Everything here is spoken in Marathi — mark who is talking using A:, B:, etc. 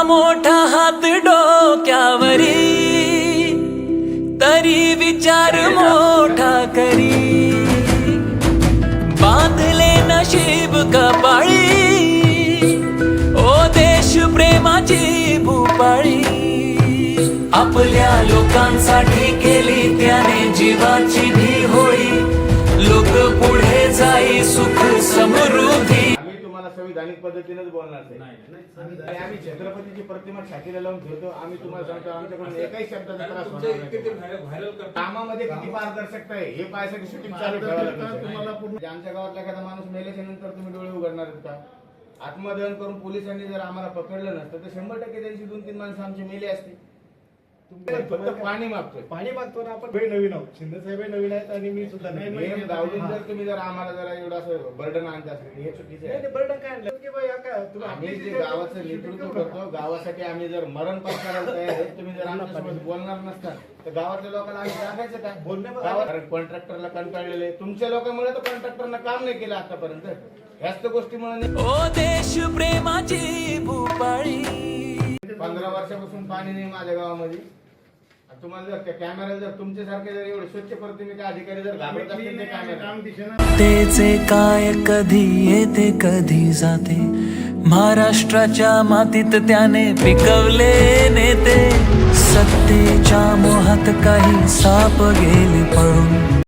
A: मोठा हात डोक्यावरी, तरी विचार मोठा करी, बांधले नशीब कपाळी, ओ देश प्रेमाची भूपाळी, आपल्या लोकांसाठी केली त्याने जीवाची धी होळी, लोक पुढे जाई सुख समृद्धी.
B: आम्ही तुम्हाला संविधानिक पद्धतीनेच बोलणार आहे. आम्ही छत्रपतीची प्रतिमा छातीला लावून ठेवतो. आम्ही तुम्हाला सांगतो आमच्याकडून एकही शब्दाचा त्रास होणार नाही. कामामध्ये किती पारदर्शकता आहे हे पाहायसाठी शूटिंग चालू ठेवायला लागतं तुम्हाला. पूर्ण आमच्या गावातला एखादा माणूस मेल्याच्या नंतर तुम्ही डोळे उघडणार आहेत का? आत्मदहन करून पोलिसांनी जर आम्हाला पकडलं नसतं तर 100% त्यांची 2-3 माणसं आमची मेली असती. फक्त पाणी मागतोय,
C: पाणी मागतो ना आपण. नवीन आहोत, शिंदे साहेब नवीन आहेत आणि मी सुद्धा नवीन.
B: नियम दावून जर तुम्ही जर आम्हाला जरा एवढं असं बर्डन आणत असेल हे चुकीचं आहे.
C: बर्डन काय आणलं की बाई काय तुम्ही
B: आम्ही जे गावाचं नेतृत्व करतो, गावासाठी आम्ही जर मरण पत्करायला तयार आहे, तुम्ही जर आमच्यासोबत बोलणार नसता तर गावातल्या लोकांना आम्ही सांगायचं काय? बोलण्यावर कॉन्ट्रॅक्टरला कंटाळलेले तुमच्या लोकांमुळे तर कॉन्ट्रॅक्टरनं काम नाही केलं आतापर्यंत. ह्याच गोष्टीमुळे
A: ओ देश प्रेमाची भूपाळी.
B: 15 वर्षापासून पाणी नाही माझ्या गावामध्ये. तुम्हाला जर कॅमेरा जर तुमच्यासारखे जर एवढे स्वच्छ प्रतिमेचे अधिकारी जर घाबरत असतील ते कॅमेरा
A: तेचे काय कधी येते कधी जाते, महाराष्ट्राच्या मातीत त्याने पिकवले नेते, सत्तेच्या मोहात काही साप गेले पळून.